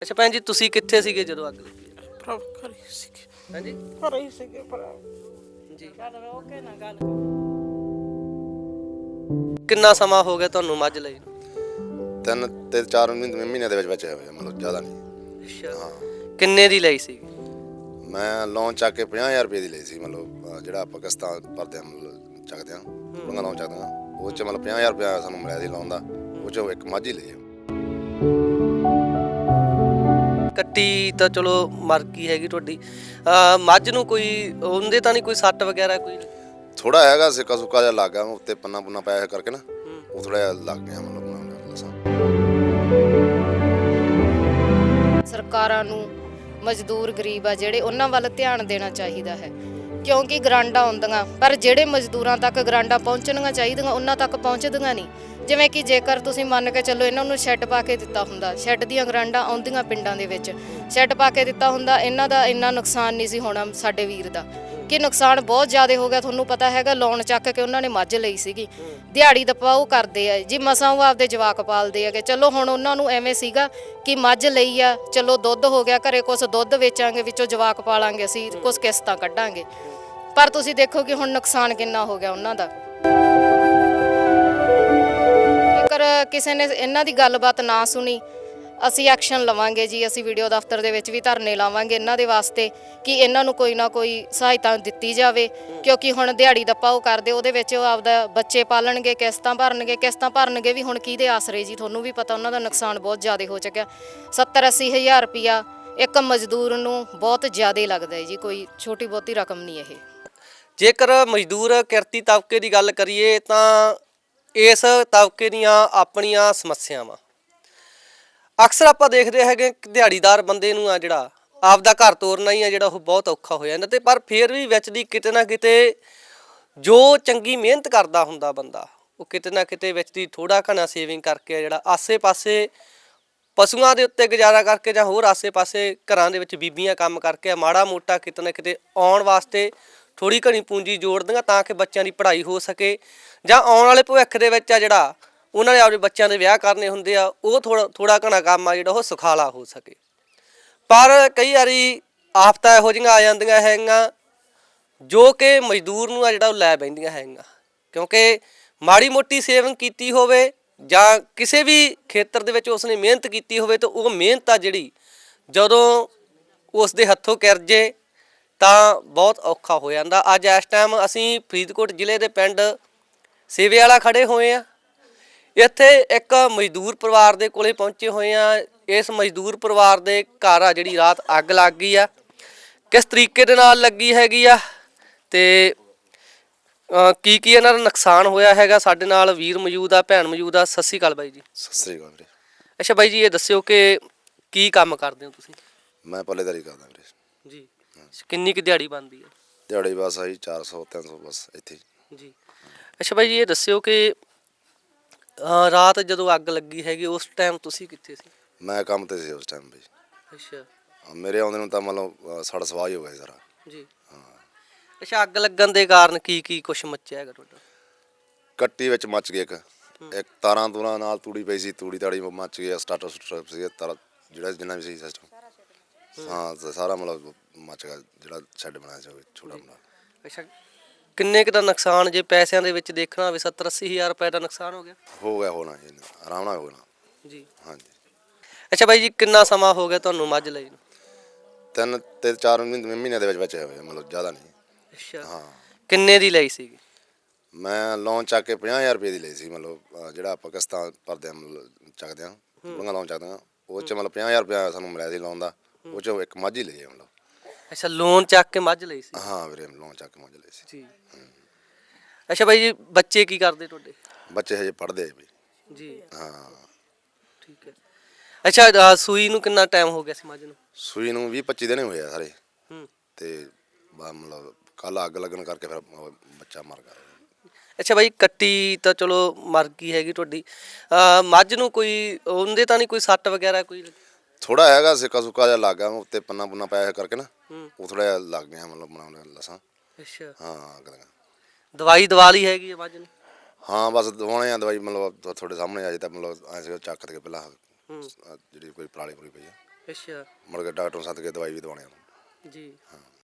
ਅੱਛਾ ਭੈਣ ਜੀ, ਤੁਸੀਂ ਕਿੱਥੇ ਸੀਗੇ ਜਦੋਂ ਅੱਗ ਲੱਗੀ? ਭਰਾ ਘਰੇ ਸੀਗੇ, ਹਾਂਜੀ ਘਰੇ ਹੀ ਸੀਗੇ ਭਰਾ। ਜੀ। ਚੱਲ ਰੋ ਕੇ ਨਾ ਗੱਲ। ਕਿੰਨਾ ਸਮਾਂ ਹੋ ਗਿਆ ਤੁਹਾਨੂੰ ਮੱਝ ਲਈ ਨੂੰ? 3 ਤੇ 4 ਮਹੀਨੇ ਦੇ ਵਿੱਚ ਹੋਇਆ ਮਤਲਬ ਜ਼ਿਆਦਾ ਨਹੀਂ। ਅੱਛਾ, ਹਾਂ ਕਿੰਨੇ ਦੀ ਲਈ ਸੀ? ਮੈਂ ਲੋਨ ਚੱਕ ਕੇ 50,000 ਰੁਪਏ ਦੀ ਲਈ ਸੀ। ਮਤਲਬ ਜਿਹੜਾ ਆਪਾਂ ਕਿਸ਼ਤਾਂ ਭਰਦੇ ਹਾਂ, ਮਤਲਬ ਚੱਕਦੇ ਹਾਂ ਬੁੜੀਆਂ ਲੋਨ ਚੱਕਦੇ ਹਾਂ, ਉਹ 'ਚ ਮਤਲਬ 50,000 ਰੁਪਇਆ ਸਾਨੂੰ ਮਿਲਿਆ ਸੀ ਲੋਨ ਦਾ। ਉਹ 'ਚੋਂ ਇੱਕ ਮੱਝ ਹੀ ਲਈ ਆ। ਕੱਟੀ ਤਾਂ ਚਲੋ ਮਰ ਗਈ ਹੈਗੀ ਤੁਹਾਡੀ। ਮੱਝ ਨੂੰ ਕੋਈ ਉਹਦੇ ਤਾਂ ਨਹੀਂ ਕੋਈ ਸੱਟ ਵਗੈਰਾ ਕੋਈ? ਥੋੜਾ ਹੈਗਾ ਸਿੱਕਾ ਸੁੱਕਾ ਜਿਹਾ ਲੱਗ ਗਿਆ ਉੱਤੇ, ਪੰਨਾ ਪੁੰਨਾ ਪਾਇਆ ਕਰਕੇ ਨਾ, ਉਹ ਥੋੜਾ ਜਿਹਾ ਲੱਗ ਗਿਆ ਮਤਲਬ ਦੱਸਾਂ। ਸਰਕਾਰਾਂ ਨੂੰ ਮਜ਼ਦੂਰ ਗਰੀਬ ਆ ਜਿਹੜੇ, ਉਹਨਾਂ ਵੱਲ ਧਿਆਨ ਦੇਣਾ ਚਾਹੀਦਾ ਹੈ, ਕਿਉਂਕਿ ਗਰਾਂਟਾਂ ਆਉਂਦੀਆਂ ਪਰ ਜਿਹੜੇ ਮਜ਼ਦੂਰਾਂ ਤੱਕ ਗਰਾਂਟਾਂ ਪਹੁੰਚਣੀਆਂ ਚਾਹੀਦੀਆਂ ਉਹਨਾਂ ਤੱਕ ਪਹੁੰਚਦੀਆਂ ਨਹੀਂ। ਜਿਵੇਂ ਕਿ ਜੇਕਰ ਤੁਸੀਂ ਮੰਨ ਕੇ ਚੱਲੋ ਇਹਨਾਂ ਨੂੰ ਸ਼ੈੱਡ ਪਾ ਕੇ ਦਿੱਤਾ ਹੁੰਦਾ, ਸ਼ੈੱਡ ਦੀਆਂ ਗਰਾਂਟਾਂ ਆਉਂਦੀਆਂ ਪਿੰਡਾਂ ਦੇ ਵਿੱਚ, ਸ਼ੈੱਡ ਪਾ ਕੇ ਦਿੱਤਾ ਹੁੰਦਾ, ਇਹਨਾਂ ਦਾ ਇੰਨਾ ਨੁਕਸਾਨ ਨਹੀਂ ਸੀ ਹੋਣਾ ਸਾਡੇ ਵੀਰ ਦਾ। ਕਿ ਨੁਕਸਾਨ ਬਹੁਤ ਜ਼ਿਆਦਾ ਹੋ ਗਿਆ। ਤੁਹਾਨੂੰ ਪਤਾ ਹੈਗਾ ਲੋਨ ਚੱਕ ਕੇ ਉਹਨਾਂ ਨੇ ਮੱਝ ਲਈ ਸੀਗੀ, ਦਿਹਾੜੀ ਦੱਪਾ ਉਹ ਕਰਦੇ ਆ ਜੀ, ਮਸਾਂ ਉਹ ਆਪਦੇ ਜਵਾਕ ਪਾਲਦੇ ਹੈਗੇ। ਚਲੋ ਹੁਣ ਉਹਨਾਂ ਨੂੰ ਐਵੇਂ ਸੀਗਾ ਕਿ ਮੱਝ ਲਈ ਆ, ਚਲੋ ਦੁੱਧ ਹੋ ਗਿਆ ਘਰੇ, ਕੁਛ ਦੁੱਧ ਵੇਚਾਂਗੇ, ਵਿੱਚੋਂ ਜਵਾਕ ਪਾਲਾਂਗੇ ਅਸੀਂ, ਕੁਛ ਕਿਸ਼ਤਾਂ ਕੱਢਾਂਗੇ। ਪਰ ਤੁਸੀਂ ਦੇਖੋ ਕਿ ਹੁਣ ਨੁਕਸਾਨ ਕਿੰਨਾ ਹੋ ਗਿਆ ਉਹਨਾਂ ਦਾ। ਜੇਕਰ ਕਿਸੇ ਨੇ ਇਹਨਾਂ ਦੀ ਗੱਲਬਾਤ ਨਾ ਸੁਣੀ, ਅਸੀਂ ਐਕਸ਼ਨ ਲਵਾਂਗੇ ਜੀ। ਅਸੀਂ ਵੀਡੀਓ ਦਫ਼ਤਰ ਦੇ ਵਿੱਚ ਵੀ ਧਰਨੇ ਲਾਵਾਂਗੇ ਇਹਨਾਂ ਦੇ ਵਾਸਤੇ ਕਿ ਇਹਨਾਂ ਨੂੰ ਕੋਈ ਨਾ ਕੋਈ ਸਹਾਇਤਾ ਦਿੱਤੀ ਜਾਵੇ, ਕਿਉਂਕਿ ਹੁਣ ਦਿਹਾੜੀ ਦੱਪਾ ਉਹ ਕਰਦੇ, ਉਹਦੇ ਵਿੱਚ ਉਹ ਆਪਦਾ ਬੱਚੇ ਪਾਲਣਗੇ, ਕਿਸ਼ਤਾਂ ਭਰਨਗੇ ਵੀ ਹੁਣ ਕਿਹਦੇ ਆਸਰੇ ਜੀ? ਤੁਹਾਨੂੰ ਵੀ ਪਤਾ ਉਹਨਾਂ ਦਾ ਨੁਕਸਾਨ ਬਹੁਤ ਜ਼ਿਆਦਾ ਹੋ ਚੁੱਕਿਆ। 70-80 ਹਜ਼ਾਰ ਰੁਪਈਆ ਇੱਕ ਮਜ਼ਦੂਰ ਨੂੰ ਬਹੁਤ ਜ਼ਿਆਦਾ ਲੱਗਦਾ ਹੈ ਜੀ, ਕੋਈ ਛੋਟੀ ਬਹੁਤੀ ਰਕਮ ਨਹੀਂ ਇਹ। ਜੇਕਰ ਮਜ਼ਦੂਰ ਕਿਰਤੀ ਤਬਕੇ ਦੀ ਗੱਲ ਕਰੀਏ ਤਾਂ ਇਸ ਤਬਕੇ ਦੀਆਂ ਆਪਣੀਆਂ ਸਮੱਸਿਆਵਾਂ ਅਕਸਰ ਆਪਾਂ ਦੇਖਦੇ ਹੈਗੇ ਕਿ ਦਿਹਾੜੀਦਾਰ ਬੰਦੇ ਨੂੰ ਆ ਜਿਹੜਾ ਆਪਦਾ ਘਰ ਤੋਰਨਾ ਹੀ ਆ ਜਿਹੜਾ, ਉਹ ਬਹੁਤ ਔਖਾ ਹੋ ਜਾਂਦਾ। ਤੇ ਪਰ ਫਿਰ ਵੀ ਵਿੱਚ ਦੀ ਕਿਤੇ ਨਾ ਕਿਤੇ ਜੋ ਚੰਗੀ ਮਿਹਨਤ ਕਰਦਾ ਹੁੰਦਾ ਬੰਦਾ, ਉਹ ਕਿਤੇ ਨਾ ਕਿਤੇ ਵਿੱਚ ਦੀ ਥੋੜਾ ਘਣਾ ਸੇਵਿੰਗ ਕਰਕੇ ਜਿਹੜਾ ਆਸੇ-ਪਾਸੇ ਪਸ਼ੂਆਂ ਦੇ ਉੱਤੇ ਗੁਜ਼ਾਰਾ ਕਰਕੇ ਜਾਂ ਹੋਰ ਆਸੇ-ਪਾਸੇ ਘਰਾਂ ਦੇ ਵਿੱਚ ਬੀਬੀਆਂ ਕੰਮ ਕਰਕੇ ਮਾੜਾ ਮੋਟਾ ਕਿਤੇ ਨਾ ਕਿਤੇ ਆਉਣ ਵਾਸਤੇ ਥੋੜੀ ਘਣੀ ਪੂੰਜੀ ਜੋੜਦੀਆਂ ਤਾਂ ਕਿ ਬੱਚਿਆਂ ਦੀ ਪੜ੍ਹਾਈ ਹੋ ਸਕੇ, ਜਾਂ ਆਉਣ ਵਾਲੇ ਭਵਿੱਖ ਦੇ ਵਿੱਚ ਆ ਜਿਹੜਾ ਉਹਨਾਂ ਨੇ ਆਪਣੇ ਬੱਚਿਆਂ ਦੇ ਵਿਆਹ ਕਰਨੇ ਹੁੰਦੇ ਆ, ਉਹ ਥੋੜਾ ਘਣਾ ਕੰਮ ਆ ਜਿਹੜਾ ਉਹ ਸੁਖਾਲਾ ਹੋ ਸਕੇ। ਪਰ ਕਈ ਵਾਰੀ ਆਫਤਾਂ ਇਹੋ ਜਿਹੀਆਂ ਆ ਜਾਂਦੀਆਂ ਹੈਗੀਆਂ ਜੋ ਕਿ ਮਜ਼ਦੂਰ ਨੂੰ ਆ ਜਿਹੜਾ ਉਹ ਲੈ ਬਹਿੰਦੀਆਂ ਹੈਗੀਆਂ, ਕਿਉਂਕਿ ਮਾੜੀ ਮੋਟੀ ਸੇਵਿੰਗ ਕੀਤੀ ਹੋਵੇ ਜਾਂ ਕਿਸੇ ਵੀ ਖੇਤਰ ਦੇ ਵਿੱਚ ਉਸਨੇ ਮਿਹਨਤ ਕੀਤੀ ਹੋਵੇ ਤਾਂ ਉਹ ਮਿਹਨਤ ਆ ਜਿਹੜੀ ਜਦੋਂ ਉਸ ਦੇ ਹੱਥੋਂ ਕਿਰ ਜੇ ਤਾਂ ਬਹੁਤ ਔਖਾ ਹੋ ਜਾਂਦਾ। ਅੱਜ ਇਸ ਟਾਈਮ ਅਸੀਂ ਫਰੀਦਕੋਟ ਜ਼ਿਲ੍ਹੇ ਦੇ ਪਿੰਡ ਸੇਵੇ ਵਾਲਾ ਖੜੇ ਹੋਏ ਆ। ਇੱਥੇ ਇੱਕ ਮਜ਼ਦੂਰ ਪਰਿਵਾਰ ਦੇ ਕੋਲੇ ਪਹੁੰਚੇ ਹੋਏ ਆ। ਇਸ ਮਜ਼ਦੂਰ ਪਰਿਵਾਰ ਦੇ ਘਰ ਆ ਜਿਹੜੀ ਰਾਤ ਅੱਗ ਲੱਗ ਗਈ ਆ, ਕਿਸ ਤਰੀਕੇ ਦੇ ਨਾਲ ਲੱਗੀ ਹੈਗੀ ਆ ਤੇ ਕੀ ਇਹਨਾਂ ਦਾ ਨੁਕਸਾਨ ਹੋਇਆ ਹੈਗਾ। ਸਾਡੇ ਨਾਲ ਵੀਰ ਮੌਜੂਦ ਆ, ਭੈਣ ਮੌਜੂਦ ਆ। ਸਤਿ ਸ਼੍ਰੀ ਅਕਾਲ ਬਾਈ ਜੀ। ਸਤਿ ਸ੍ਰੀ ਅਕਾਲ ਵੀਰੇ। ਅੱਛਾ ਬਾਈ ਜੀ, ਇਹ ਦੱਸਿਓ ਕਿ ਕੀ ਕੰਮ ਕਰਦੇ ਹੋ ਤੁਸੀਂ? ਮੈਂ ਪੱਲੇਦਾਰੀ ਕਰਦਾ ਵੀਰੇ ਜੀ। ਕਿੰਨੀ ਕੁ ਦਿਹਾੜੀ ਬਣਦੀ ਹੈ? ਦਿਹਾੜੀ ਬਸ ਆਹੀ 400-300 ਬਸ ਇੱਥੇ ਜੀ। ਅੱਛਾ ਬਾਈ ਜੀ, ਇਹ ਦੱਸਿਓ ਕਿ ਰਾਤ ਜਦੋਂ ਅੱਗ ਲੱਗੀ ਹੈਗੀ ਉਸ ਟਾਈਮ ਤੁਸੀਂ ਕਿੱਥੇ ਸੀ? ਮੈਂ ਕੰਮ ਤੇ ਸੀ ਉਸ ਟਾਈਮ ਬਈ। ਅੱਛਾ। ਮੇਰੇ ਆਉਂਦੇ ਨੂੰ ਤਾਂ ਮਤਲਬ ਸਾਡਾ ਸਵਾਹ ਹੀ ਹੋ ਗਿਆ ਸਾਰਾ। ਜੀ। ਅੱਛਾ, ਅੱਗ ਲੱਗਣ ਦੇ ਕਾਰਨ ਕੀ ਕੁਛ ਮੱਚਿਆ ਹੈਗਾ ਤੁਹਾਡਾ? ਕੱਟੀ ਵਿੱਚ ਮੱਚ ਗਈ ਇੱਕ ਤਾਰਾਂ ਤੂਰਾਂ ਨਾਲ ਤੂੜੀ ਪਈ ਸੀ, ਤੂੜੀ ਤਾੜੀ ਮੱਚ ਗਿਆ, ਸਟਾਰਟਰ ਸੀ ਤਾਰਾ ਜਿਹੜਾ ਜਿੰਨਾ ਵੀ ਸੀ ਸਿਸਟਮ, ਹਾਂ ਸਾਰਾ ਮਤਲਬ ਮੱਚ ਗਿਆ ਜਿਹੜਾ ਸ਼ੈੱਡ ਬਣਾਇਆ ਸੀ ਛੋਟਾ ਮੋਟਾ। ਅੱਛਾ, ਕਿੰਨੇ ਕੁ ਦਾ ਨੁਕਸਾਨ ਜੇ ਪੈਸਿਆਂ ਦੇ ਵਿੱਚ ਦੇਖਣਾ ਹੋਵੇ? 70-80 ਹਜ਼ਾਰ ਰੁਪਏ ਦਾ ਨੁਕਸਾਨ ਹੋ ਗਿਆ? ਹੋ ਗਿਆ ਹੋਣਾ ਜੀ, ਆਰਾਮ ਨਾਲ ਹੋਣਾ ਜੀ। ਹਾਂਜੀ। ਅੱਛਾ ਬਾਈ ਜੀ, ਕਿੰਨਾ ਸਮਾਂ ਹੋ ਗਿਆ ਤੁਹਾਨੂੰ ਮੱਝ ਲਈ ਨੂੰ? 3 ਤੇ 4 ਮਹੀਨੇ ਦੇ ਵਿੱਚ ਹੋਇਆ ਮਤਲਬ ਜ਼ਿਆਦਾ ਨਹੀਂ। ਅੱਛਾ। ਹਾਂ। ਕਿੰਨੇ ਦੀ ਲਈ ਸੀਗੀ? ਮੈਂ ਲੋਨ ਚੱਕ ਕੇ 50,000 ਰੁਪਏ ਦੀ ਲਈ ਸੀ। ਮਤਲਬ ਜਿਹੜਾ ਆਪਾਂ ਕਿਸ਼ਤਾਂ ਭਰਦੇ ਹਾਂ, ਮਤਲਬ ਚੱਕਦੇ ਹਾਂ ਬੁੜੀਆਂ ਲੋਨ ਚੱਕਦੇ ਹਾਂ, ਉਹ 'ਚ ਮਤਲਬ 50,000 ਰੁਪਇਆ ਸਾਨੂੰ ਮਿਲਿਆ ਸੀ ਲੋਨ ਦਾ। ਉਹ 'ਚੋਂ ਇੱਕ ਮੱਝ ਹੀ ਲਈ ਹੈ ਮਤਲਬ। ਅੱਛਾ, ਲੋਨ ਚੱਕ ਕੇ ਮੱਝ ਲਈ ਸੀ? ਹਾਂ ਵੀਰੇ, ਲੋਨ ਚੱਕ ਕੇ ਮੱਝ ਲਈ ਸੀ ਜੀ। ਅੱਛਾ ਬਾਈ ਜੀ, ਬੱਚੇ ਕੀ ਕਰਦੇ ਤੁਹਾਡੇ? ਬੱਚੇ ਹਜੇ ਪੜ੍ਹਦੇ ਆ ਬਈ। ਜੀ। ਹਾਂ। ਠੀਕ ਹੈ। ਅੱਛਾ, ਸੂਈ ਨੂੰ ਕਿੰਨਾ ਟਾਈਮ ਹੋ ਗਿਆ ਸੀ ਮੱਝ ਨੂੰ? ਸੂਈ ਨੂੰ 20-25 ਦਿਨ ਹੋਏ ਆ ਸਾਰੇ। ਹੂੰ। ਤੇ ਮਤਲਬ ਕੱਲ ਅੱਗ ਲੱਗਣ ਕਰਕੇ ਫਿਰ ਬੱਚਾ ਮਰ ਗਿਆ। ਅੱਛਾ ਬਾਈ, ਕੱਟੀ ਤਾਂ ਚਲੋ ਮਰ ਗਈ ਹੈਗੀ ਤੁਹਾਡੀ। ਮੱਝ ਨੂੰ ਕੋਈ ਉਹਦੇ ਤਾਂ ਨਹੀਂ ਕੋਈ ਸੱਟ ਵਗੈਰਾ ਕੋਈ? ਥੋੜਾ ਹੈਗਾ ਸਿੱਕਾ ਸੁੱਕਾ ਜਿਹਾ ਲੱਗ ਗਿਆ ਉੱਤੇ, ਪੰਨਾ ਪੁੰਨਾ ਪਾਇਆ ਕਰਕੇ ਨਾ, ਉਹ ਥੋੜਾ ਜਿਹਾ ਲੱਗ ਗਿਆ ਮਤਲਬ ਬਣਾਉਣ ਲਸਾਂ। ਅੱਛਾ। ਹਾਂ ਅੱਗ ਲੱਗਾ। ਦਵਾਈ ਦਵਾ ਲਈ ਹੈਗੀ ਹੈ ਮੱਝ ਨੂੰ? ਹਾਂ ਬਸ ਦਵਾਉਣੇ ਆ ਦਵਾਈ, ਮਤਲਬ ਤੁਹਾਡੇ ਸਾਹਮਣੇ ਆ ਜੇ ਤਾਂ ਮਤਲਬ ਐਸੇ ਚੱਕ ਕੇ ਪਹਿਲਾਂ ਜਿਹੜੀ ਕੋਈ ਪਰਾਲੀ ਪੂਰੀ ਪਈ ਆ। ਅੱਛਾ ਮੁੜ ਕੇ ਡਾਕਟਰ ਨੂੰ ਸੱਦ ਕੇ ਦਵਾਈ ਵੀ ਦਵਾਉਣੀ ਉਹਨੂੰ। ਜੀ